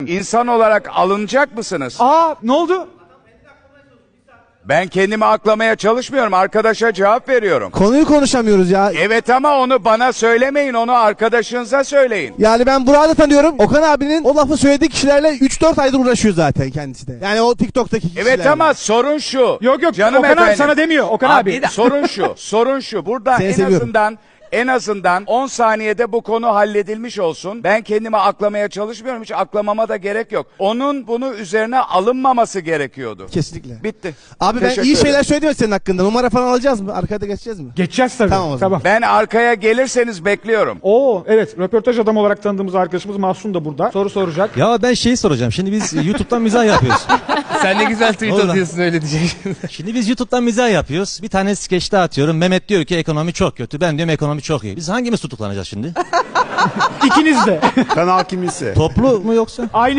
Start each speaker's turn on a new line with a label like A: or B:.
A: İnsan olarak alınacak mısınız?
B: Aa, ne oldu?
A: Ben kendimi aklamaya çalışmıyorum. Arkadaşa cevap veriyorum.
C: Konuyu konuşamıyoruz ya.
A: Evet ama onu bana söylemeyin. Onu arkadaşınıza söyleyin.
C: Yani ben Burak'ı da tanıyorum. Okan abinin o lafı söylediği kişilerle 3-4 aydır uğraşıyor zaten kendisi de. Yani o TikTok'taki kişilerle.
A: Evet ama sorun şu.
B: Yok
A: Canım
B: Okan abi
A: efendim.
B: sana demiyor. Okan abi.
A: Sorun şu. Burada
C: Seni seviyorum.
A: en azından 10 saniyede bu konu halledilmiş olsun. Ben kendimi aklamaya çalışmıyorum. Hiç aklamama da gerek yok. Onun bunu üzerine alınmaması gerekiyordu.
C: Kesinlikle.
A: Bitti.
C: Abi ben
A: Teşekkür
C: iyi
A: ederim.
C: şeyler söyledim mi senin hakkında? Numara falan alacağız mı? Arkada geçeceğiz mi?
B: Geçeceğiz tabii.
C: Tamam o zaman.
A: Ben arkaya gelirseniz bekliyorum.
B: Oo, evet, röportaj adamı olarak tanıdığımız arkadaşımız Mahsun da burada. Soru soracak.
D: Ya ben şeyi soracağım. Şimdi biz YouTube'dan mizah yapıyoruz.
E: Sen ne güzel tweet
D: Vallahi.
E: atıyorsun öyle diyecek.
D: Şimdi biz YouTube'dan mizah yapıyoruz. Bir tane skeçte atıyorum. Mehmet diyor ki ekonomi çok kötü. Ben diyorum ekonomi çok iyi. Biz hangimiz tutuklanacağız şimdi?
B: İkiniz de.
F: Kanal kimisi?
D: Toplu mu yoksa?
B: Aynı